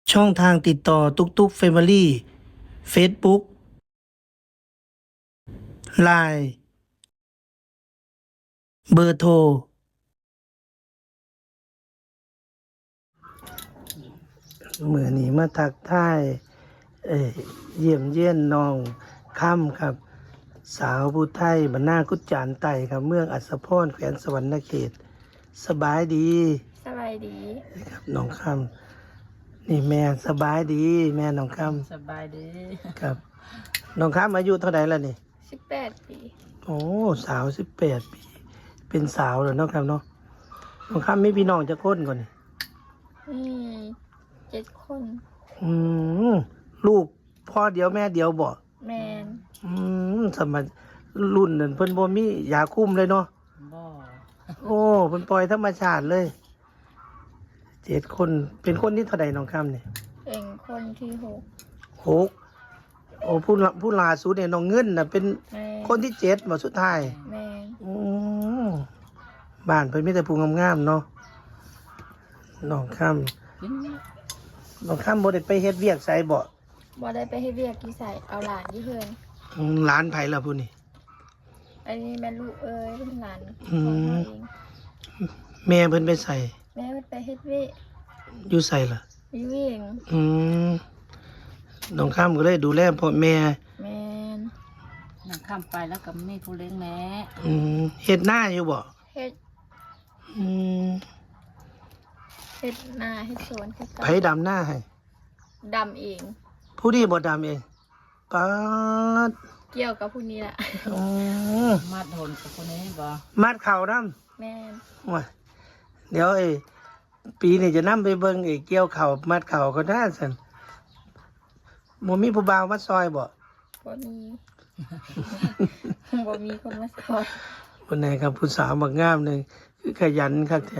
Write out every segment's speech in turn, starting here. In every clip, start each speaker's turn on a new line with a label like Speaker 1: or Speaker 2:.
Speaker 1: ช่องทางติดต่อตุกตุกเฟมิลี่เฟซบุ๊กไลน์เบอร์โทรเมื่อนี้มาทักทายเยี่ยมเยียนน้องค่ำครับ สาวผู้ไทยบรรณากุจจานไต่ครับ เมืองอัศพรแขวนสวรรณเขต สบายดี
Speaker 2: สบายดี
Speaker 1: ครับน้องค่ำนี่แม่สบายดี แม่น้องค่
Speaker 3: สบายดี
Speaker 1: ำครับ น้องค่ำอายุเท่าไหร่แล้วนี่
Speaker 2: 18 ปี
Speaker 1: โอ้สาว18 ปี เป็นสาวแล้วเนาะครับเนาะน้องค่ำมีพี่น้องจะคนก่อนนี่
Speaker 2: อืม7 คน
Speaker 1: อืมลูกพ่อเดียวแม่เดียวบ่
Speaker 2: แมน
Speaker 1: สมัยรุ่นนั่นเพิ่นบ่มียาคุมเลยเนาะ
Speaker 3: บ่
Speaker 1: โอ้เพิ่นปล่อยธรรมชาติเลย7 คนเป็นคนที่เท่าใดน้องค่ำนี่
Speaker 2: เป็นคนที่
Speaker 1: 6โอ้ผู้ล่าสุดเนี่ยน้องเงินน่ะเป็น
Speaker 2: 6แมน
Speaker 1: คนที่7บ่สุดท้าย
Speaker 2: แมน
Speaker 1: อืมบ้านเพิ่นมีแต่ผู้งามๆเนาะน้องค่ำ
Speaker 3: กิน
Speaker 1: น้องค่ำบ่ได้ไปเฮ็ดเวียกไสบ่
Speaker 2: บ่ได้ไปให้เวียกที่ใส่เอาหลานที่เพิ่น
Speaker 1: หลานไผล่ะผู้นี่
Speaker 2: อันนี้แม่ลูกเอ้ยเป็นหลาน
Speaker 1: อื
Speaker 2: ของ
Speaker 1: ม
Speaker 2: เขาเอง
Speaker 1: แม่เพิ่นไปใส่
Speaker 2: แม่เพิ่นไปเฮ็ดเวียก
Speaker 1: อยู่ใส่ล่ะ
Speaker 2: วิเวียง
Speaker 1: อืมน้องค่ำก็เลยดูแลพ่อแม่
Speaker 2: แมน
Speaker 3: นั่งข้ามไปแล้วก็มีผู้เลี้ยงแม่
Speaker 1: เฮ็ดหน้าอยู่บ่
Speaker 2: เฮ็ด
Speaker 1: อืม
Speaker 2: เฮ็ดนาเฮ็ดสวนเฮ็ด
Speaker 1: ไผดำหน้าให้
Speaker 2: ดำเอง
Speaker 1: ผู้นี้บ่ดำเองป๊าด
Speaker 2: เกี่ยวกับผู้นี้ล่ะ
Speaker 1: อืม
Speaker 3: มาดหนกับคนนี้บ่
Speaker 1: มัดเข่านำ
Speaker 2: แมน
Speaker 1: ว่าเดี๋ยวปีนี้จะนำไปเบิ่งเกี่ยวข้าวมัดเข่าก็ได้ซั่นบ่มีผู้บ่าวมาซอยบ่
Speaker 2: บ่มี บ่มีคนมาสอน
Speaker 1: วันไหนครับผู้สาวบักงามหนึงคือขยันคักแท้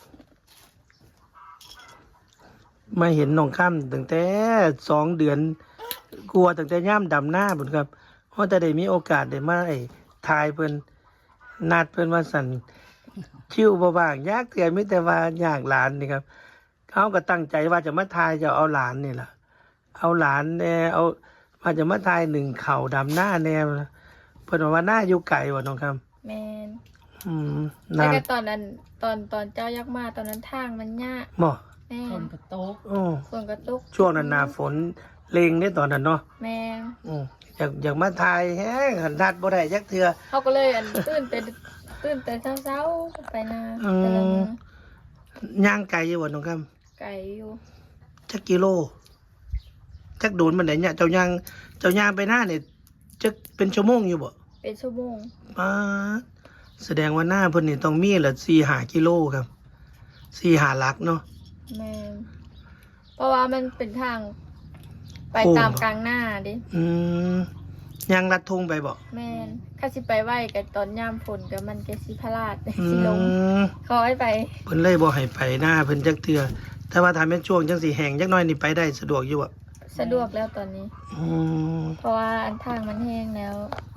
Speaker 1: มาเห็นน้องค่ำตั้งแต่2 เดือนกลัวตั้งแต่ย่ามดำหน้าพุ่นครับเพราะแต่ได้มีโอกาสได้มาถ่ายเพิ่นนัดเพิ่นว่าสั่นคิวบ่ว่างยากเทื่อมีแต่ว่าอยากหลานนี่ครับเขาก็ตั้งใจว่าจะมาถ่ายจะเอาหลานนี่ล่ะเอาหลานแน่เอาว่าจะมาถ่ายหนึ่งเข่าดำหน้าแน่เพิ่นว่าหน้าอยู่ไกลว่าน้องคำ
Speaker 2: แมน
Speaker 1: อืม
Speaker 2: แต่
Speaker 1: นาน
Speaker 2: ก็ตอนนั้นตอนเจ้ายักษ์มาตอนนั้นทางมันยาก
Speaker 1: บ่
Speaker 2: แม่
Speaker 3: คนกระโต๊ะ
Speaker 1: โอ้
Speaker 2: ส่วนกระตุก
Speaker 1: ช่วงนั้นหน้าฝนเลงได้ตอนนั้นเนาะ
Speaker 2: แม่
Speaker 1: อยากมาถ่ายแฮงหันทัดบ่ได้จักเทื่อ
Speaker 2: เขาก็เลยตื่นแต่เช้าๆไปนา
Speaker 1: อืม
Speaker 2: แต่ละมื้อย่าง
Speaker 1: ไกลอยู่บ่น้องคำ
Speaker 2: ไก่อยู่
Speaker 1: จักกิโลจักโดนมันได้เนี่ยเจ้าย่างไปหน้าเนี่ยจักเป็นชั่วโมงอยู่บ่
Speaker 2: เป็นชั่วโมง
Speaker 1: ป๊าดแสดงว่าหน้าเพิ่นนี่ต้องมีละ4-5 กิโลครับ4-5 หลักเนาะ
Speaker 2: แม่เพราะว่ามันเป็นทาง ไป
Speaker 1: โค้ง
Speaker 2: ตามกลางหน้าดิ
Speaker 1: อืมย่างลัดทงไปบ่
Speaker 2: แม่นข้าสิไปไหวกับตอนยามฝนกับมันก็สิพลาด
Speaker 1: อื
Speaker 2: สิลง
Speaker 1: ม
Speaker 2: เขาให้ไป
Speaker 1: เพิ่นเลยบ่ให้ไปหน้าเพิ่นจักเทื่อแต่ว่าถ้าแม่นช่วงจังสิแห้งจักหน่อยนี่ไปได้สะดวกอยู่บ่
Speaker 2: สะดวกแล้วตอนนี้
Speaker 1: อืม
Speaker 2: เพราะว่าอันทางมันแห้งแล้ว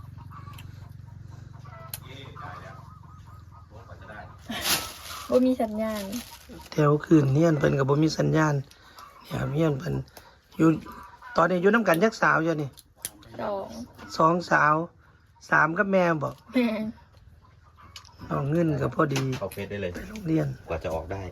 Speaker 2: บ่มีสัญญาณ
Speaker 1: แถวคืนเฮียนเพิ่นก็บ่มีสัญญาณเนี่ยครับเฮียนเพิ่นอยู่ตอนนี้อยู่นํกันจักสาวอยู่นี่
Speaker 2: 2
Speaker 1: 2 สาว 3กับแม่บ่
Speaker 2: แม่
Speaker 1: เอาเงินก็พอดี
Speaker 4: เข้าเฟซได้เลย
Speaker 1: ไปโรงเรียน
Speaker 4: กว่าจะออกได้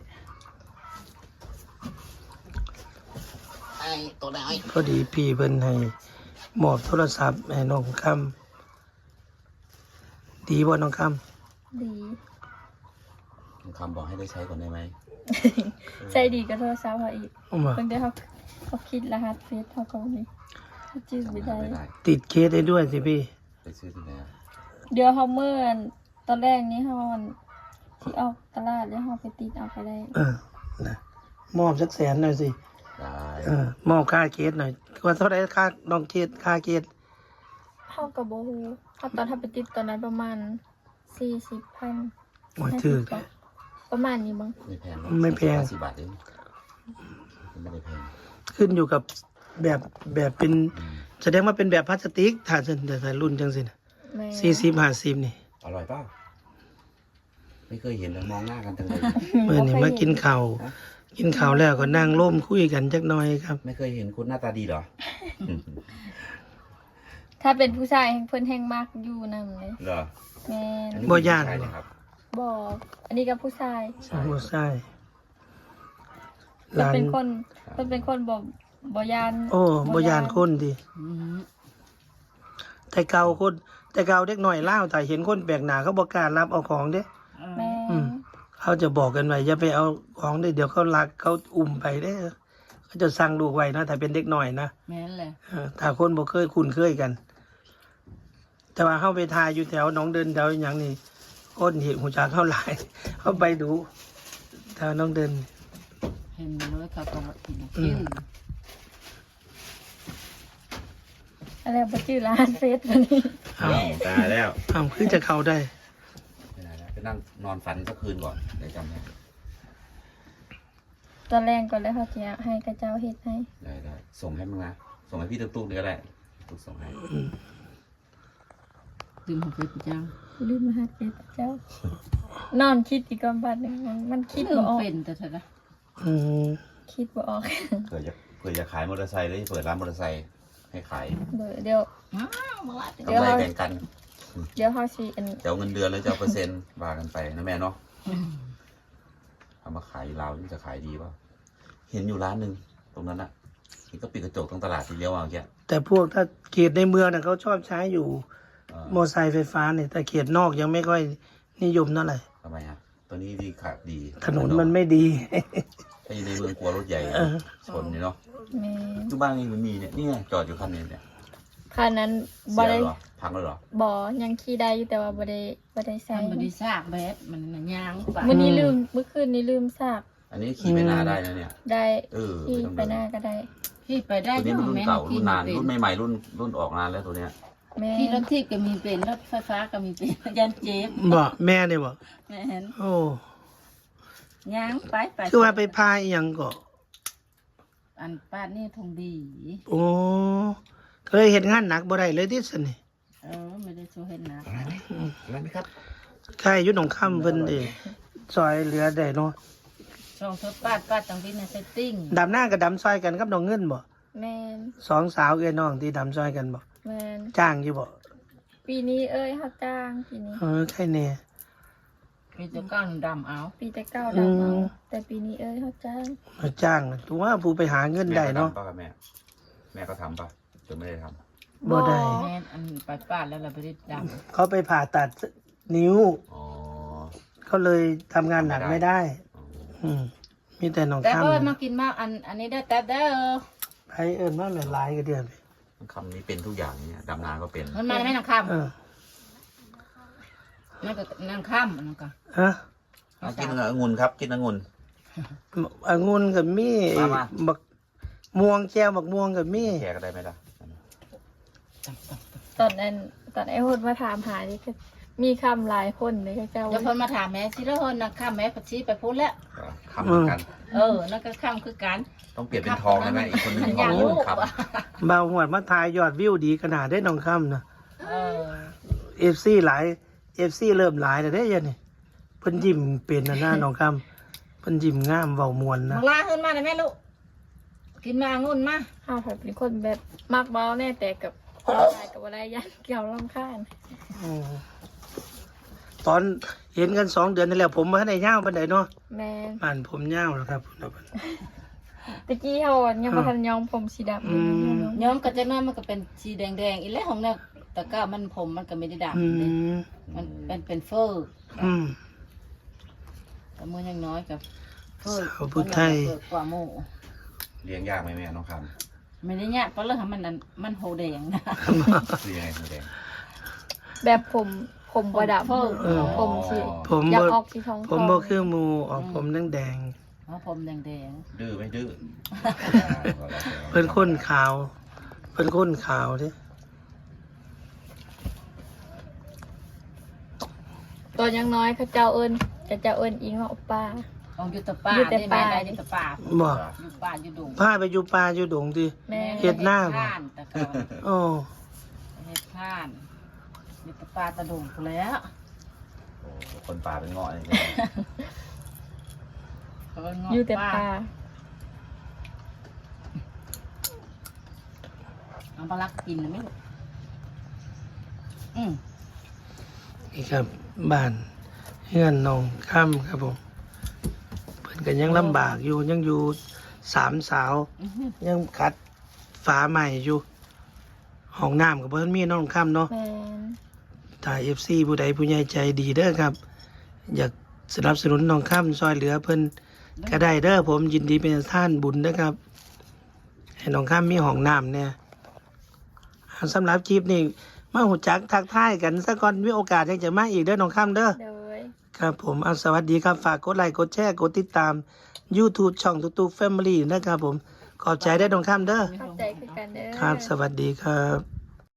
Speaker 1: พอดีพี่เพิ่นให้มอบโทรศัพท์ให้น้องคำดีบ่น้องค
Speaker 2: ดี
Speaker 4: คำบอกให้ได้ใช้ก่อนได้ไหม
Speaker 2: ใจดีก็โทรศัพท์เขาอีก
Speaker 1: ำว่า
Speaker 2: เพิ่นได้เขาคิดรหัสเฟซเขาก็บ่มีเขาจื้อไม่ได้
Speaker 4: ไม่ได้
Speaker 1: ติดเคสได้ด้วยสิพี่
Speaker 4: ไปซื้อที่ไหนอะ
Speaker 2: เดี๋ยวเขาเมื่อตอนแรกนี้เขาที่ออกตลาดแล้วเขาไปติดเอาไปได้
Speaker 1: นะมอบสัก100,000หน่อยสิ
Speaker 4: ได้
Speaker 1: มอบค่าเคสหน่อยว่าเท่าไหร่ค่าน้องเคสค่าเคส
Speaker 2: เขากับโบฮูเขาตอนถ้าไปติดตอนนั้นประมาณ40,000
Speaker 1: โอ้ยถือ
Speaker 2: ประมาณนี้มั้ง
Speaker 4: ไม่แพง
Speaker 1: ไม่แพง
Speaker 4: 40 บาทเองไม่ได้แพง
Speaker 1: ขึ้นอยู่กับแบบเป็นแสดงว่าเป็นแบบพลาสติกถ้าจะใส่รุ่นจังสินะ
Speaker 2: แม่
Speaker 1: 40-50นี่
Speaker 4: อร่อยเปล่าไม่เคยเห็นเลยมองหน้ากันจังเลย
Speaker 1: เมื่อนี้มากินข้าวกินข้าวแล้วก็นั่งร่มคุยกันจักหน่อยครับ
Speaker 4: ไม่เคยเห็นคุณหน้าตาดีเหรอ
Speaker 2: ถ้าเป็นผู้ชายเพิ่นแห้งมากอยู่นำเลย
Speaker 4: เหรอ
Speaker 2: แม่น
Speaker 4: อันนี้
Speaker 1: บ่ย่าน
Speaker 4: ใช่เลยครับ
Speaker 2: บอกอันนี้กับผู้ชาย
Speaker 4: ใช่
Speaker 1: บ่ใช่ห
Speaker 2: เพิ่น
Speaker 1: ลาน
Speaker 2: เป็นคนเพิ่นเป็นคนบ่ยาน
Speaker 1: โอ้บ่ยานคนดิ
Speaker 3: อืม
Speaker 1: แต่เก่าคนแต่เก่าเด็กน้อยลาวถ้าเห็นคนแปลกหน้าเขาบ่กล้ารับเอาของเด้
Speaker 2: แม่
Speaker 1: อืม เขาจะบอกกันไว้อย่าไปเอาของได้เดี๋ยวเขาลักเขาอุ้มไปเด้อเขาจะสั่งลูกไว้นะถ้าเป็นเด็กน้อยนะ
Speaker 3: แม่นแหละ
Speaker 1: ถ้าคนบ่เคยคุ้นเคยกัน แต่ว่าเข้าไปทายอยู่แถวหนองเดินแถวอย่างนี้คนเห็นหูจักเข้าหลาย เข้าไปดูแถวหน้องเดิน
Speaker 3: เห็นเลยเขาก็ว่าชื่อ
Speaker 2: อะไรบ่ชื่อร้านเฟซวันนี้
Speaker 1: อ้าว
Speaker 4: ตายแล้ว
Speaker 1: อ้าวคือจะเข้าได้
Speaker 4: ไม่ได้แล้วไปนั่งนอนฝันสักคืนก่อนเดี๋ยวจำได้
Speaker 2: ตอนแรกก่อนแล้วเขาจะให้กระเจ้าเฮ็ดให้
Speaker 4: ได้ส่งให้มึงนะส่งให้พี่ตุ๊กๆเดี๋ยวก็ได้ตุ๊กส่งให้
Speaker 3: ลืมหัวใจไปจัง
Speaker 2: ลืมมาหาเฮ็ดเจ้านอนคิดอีกก่อนบัดนึงมันคิด
Speaker 3: ลื
Speaker 2: บ่
Speaker 3: ม
Speaker 2: ออก
Speaker 3: เป็นแต่เถอะนะ
Speaker 1: อืม
Speaker 2: คิดบ่ออก
Speaker 4: เผื่อจะขายมอเตอร์ไซค์เลยเปิดร้านมอเตอร์ไซค์ให้ขาย
Speaker 2: เดี๋ยว
Speaker 3: อ้าวมาละ
Speaker 4: กำไรแบ่งกัน
Speaker 2: เดี๋ยวเฮาสิอัน
Speaker 4: จะเอาเงินเดือนแล้วจะเอาเปอร์เซ็นต์ว่ากันไปนะแม่เนาะเอามาขายลาวนี่จะขายดีป่ะเห็นอยู่ร้านหนึ่งตรงนั้นอะนี่ก็ปิดกระจกตรงตลาดทีเดียวเอาแค่
Speaker 1: แต่พวกถ้าเขตในเมืองน่ะเขาชอบใช้อยู่
Speaker 4: เออ
Speaker 1: มอไซค์ไฟฟ้าเนี่ยแต่เขตนอกยังไม่ค่อยนิยมเท่าไหร่
Speaker 4: ทำไมฮะตัวนี้ดีขาดดี
Speaker 1: ถนนมันไม่ดี
Speaker 4: ถ้าอยู่ในเมืองกลัวรถใหญ่
Speaker 1: เออ
Speaker 4: ชนนี่เนาะ
Speaker 2: แม่
Speaker 4: ทุกบ้านนี่มันมีเนี่ยนี่ไงจอดอยู่คันนึงเนี่ย
Speaker 2: คันนั้น
Speaker 4: เสี
Speaker 2: บ่
Speaker 4: ย
Speaker 2: ได้
Speaker 4: แล้วเหรอพังแล้วเหรอ
Speaker 2: บ่ยังขี่ได้อยู่แต่ว่าบ่ได้ใส่
Speaker 3: มันบริซากแบบมันน่ะย่างไป
Speaker 2: มื้อนี้ลืมเมื่อคืนนี้ลืมซาก
Speaker 4: อันนี้ขี่ไปนาได้นะเนี่ย
Speaker 2: ได้
Speaker 4: เออ
Speaker 2: ขี่
Speaker 4: ไม่ต้อง
Speaker 2: ไป
Speaker 4: เดิน
Speaker 2: หน้าก็ได้
Speaker 3: พี่ไปได้
Speaker 4: ตัวนี้มันรุ่นเก่ารุ่นนาน
Speaker 3: เป็
Speaker 4: รุ่นใหม่ๆรุ่นออกนานแล้วตัวเนี้ย
Speaker 2: แม่
Speaker 3: พี่รถทิพย์ก็มีเป็นรถไฟฟ้าก็มีเป็น ยันเจ็บ
Speaker 1: บอกแม่เนี่ยบอก
Speaker 3: แม่น
Speaker 1: โอ้
Speaker 3: ย่างไป
Speaker 1: คือว่าไปพายอหยังก็
Speaker 3: อันป้านี่ทงดี
Speaker 1: โอ้เคยเห็นงานหนักบ่ได้เลยที่สนี่
Speaker 3: ไม่ได้ช่วยเห็นนะ
Speaker 4: อะไรไหมครับ
Speaker 1: ใครอยุ่หนองค่ำเพิ่นเด้ซอยเหลือได้เนาะ
Speaker 3: ช่องทดป้าตรงที่ในเซตติ้ง
Speaker 1: ดำหน้ากับดำซอยกันกับน้องเงินบ่
Speaker 2: แม่น
Speaker 1: สองสาวเอ้ยน้องที่ดำซอยกันบ่
Speaker 2: แม่น
Speaker 1: จ้างอยู่บ่
Speaker 2: ปีนี้เอ้ยเฮาจ้างปีนี้
Speaker 1: ใครแน่
Speaker 3: มีแต่ก้อนดำเอา
Speaker 2: ปีแต่เก้าดาวเอาแต่ปีนี้เอ้ยเฮาจ้าง
Speaker 1: มาจ้างน่ะถือว่าผู้ไปหาเงินได้เนาะ
Speaker 4: แม่ก็ทำป่ะครับแม่ก็ทำป่ะหรือไม่ได้ท
Speaker 1: บ่ได้
Speaker 3: แม่นอันไปป้าแล้วเราไปได้ด
Speaker 1: เขาไปผ่าตัดนิ้ว
Speaker 4: ำอ๋อ
Speaker 1: เขาเลยทำงานหนักไม่ได้ อืมมีแต่น้อง
Speaker 3: ำแต่
Speaker 1: ค่ำ
Speaker 3: เอ้ยมา
Speaker 1: น่ะ
Speaker 3: กินมากอันนี้ได้แต่เด้อ
Speaker 1: ไปเอิ้นว่าแม่หลายก็เดือนไป
Speaker 4: คำนี้เป็นทุกอย่างเนี่ยดำนาก็เป็น
Speaker 3: มันมาได้ไหมนางค
Speaker 1: เออ
Speaker 3: ำนั่นก็นางค่ำนั่นก็
Speaker 1: ฮะ
Speaker 4: เอากินองุ่นครับ กินองุ่น
Speaker 1: องุ่นกับมี
Speaker 4: มา
Speaker 1: บักม่วงแก้วบักม่วงกับมี
Speaker 4: แขกก็ได้ไหมล่ะ
Speaker 2: ตอนไอ้โหดมาถามหานี่ก็มีคำหลายคนเลยก็เจ้า
Speaker 3: เดี๋ยวเพิ่นมาถามแม่สิแล้วเพิ่นนางค่ำแม่ปัดชี้ไปพูดแล้ว
Speaker 4: คำเหมือนกัน
Speaker 3: นั่นก็ค่ำคือกัน
Speaker 4: ต้องเปลี่ยนเป็นทองได้ไหมอีกคนหนึงท
Speaker 3: อ
Speaker 4: อง
Speaker 3: ยาก
Speaker 4: อีก
Speaker 3: รู้
Speaker 4: คนครับ
Speaker 1: เบาหวดมาทายยอดวิวดีขนาดได้น้องค่ำนะ
Speaker 3: เออ
Speaker 1: FC หลาย FC เริ่มหลายแล้วได้ยันนี่เพิ่นยิ้มเป็นนะหน้าน้องค่ำเพิ่นยิ้มงามเว้ามวนนะ
Speaker 3: มาลาขึ้นมาได้แม่ลูกกินมาองุ่นมา
Speaker 2: เฮาแบบเป็นคนแบบมักเบาแน่แต่กับอะไรกับอะไรยันเกี่ยวรำคาญ
Speaker 1: อืมตอนเห็นกัน2 เดือนนี่แหละผมมาให้ได้ยาวปานใดเนาะ
Speaker 2: แม่น
Speaker 1: บ้านผมยาวแล้วครับ
Speaker 2: ตะกี้เฮายังบ่ทันยอมผมสีดำเลยนะ
Speaker 3: ย้อมก็จะน้อยมันก็เป็นสีแดงๆอีแล้วของเนี่ยแต่ก็มันผมมันก็ไม่ได้
Speaker 1: อื
Speaker 3: ดำเลย
Speaker 1: ม
Speaker 3: มันเป็นเฟอร์
Speaker 1: อืม
Speaker 3: แต่มือยังน้อยกับเฟอร์
Speaker 1: สาวพุทธไทย
Speaker 3: เปิดกว่าโม
Speaker 4: เลี้ยงยากไหมแม่น้องค
Speaker 3: ไม่ได้เนี่ยเพราะเรื่องมันนั้นมันโหแดงนะ
Speaker 4: ำคือยังไงคุณแดง
Speaker 2: แบบผมบ่ดำ
Speaker 1: เออ
Speaker 2: ผมสิ
Speaker 1: ผม
Speaker 2: อยาก
Speaker 1: บ่
Speaker 2: ออกสีทอง
Speaker 1: ผมบ่คือหมู่ออกผมแดง
Speaker 3: เพราะผมแดง
Speaker 4: ดื้อไม่ดื้อ
Speaker 1: ๆเพิ่นข้นขาวเพิ่นข้นขาวเด้
Speaker 2: ตอนยังน้อยเขาเจ้าเอิ้นอิงว่าโอป้า
Speaker 3: ๆของยุตป่า
Speaker 2: อยู่แต่
Speaker 3: ได้ไหม
Speaker 2: ป่า
Speaker 3: ได้ยุตป่า
Speaker 1: บ่
Speaker 3: อยู่ป่าอยู่ดง
Speaker 1: พาไปอยู่ป่าอยู่ดงติ
Speaker 2: แม่
Speaker 1: เฮ็ดหน้าบ่
Speaker 3: ข้านแต่ก็
Speaker 1: โอ้
Speaker 3: เฮ็ดข้านยุตป่าตะดงพู้นแล้ว
Speaker 4: โอ้คนป่าเป็นเงาะเลย
Speaker 2: อยู่แต่ปลา
Speaker 3: เอาปลาลักกินไหมลูกอืม
Speaker 1: นี่ครับบ้านเฮือนน้องค่ำครับผมเพิ่นก็ยังลำบากอยู่ยังอยู่สามสาว ยังขัดฝาใหม่อยู่ห้องน้ำกับเพิ่นมีน้องค่ำเนาะ
Speaker 2: แมน
Speaker 1: ถ้า FC ผู้ใดผู้ใหญ่ใจดีเด้อครับ อยากสนับสนุนน้องค่ำซอยเหลือเพิ่นก็ได้เด้อผมยินดีเป็นท่านบุญนะครับ ให้น้องค่ำมีห้องน้ำเนี่ยสำหรับคลิปนี้มาหูจักทักทายกันสักก่อนมีโอกาสยังจะมาอีกเด้อน้องค่ำเด้อ
Speaker 2: โดย
Speaker 1: ครับผมสวัสดีครับฝากกดไลค์กดแชร์กดติดตาม YouTube ช่องตุ๊กแฟมิลี่นะครับผมขอบใจได้อน้องค่ำเด้อ
Speaker 2: เข้าใจคือกันเด้อ
Speaker 1: ครับ สวัสดีครับ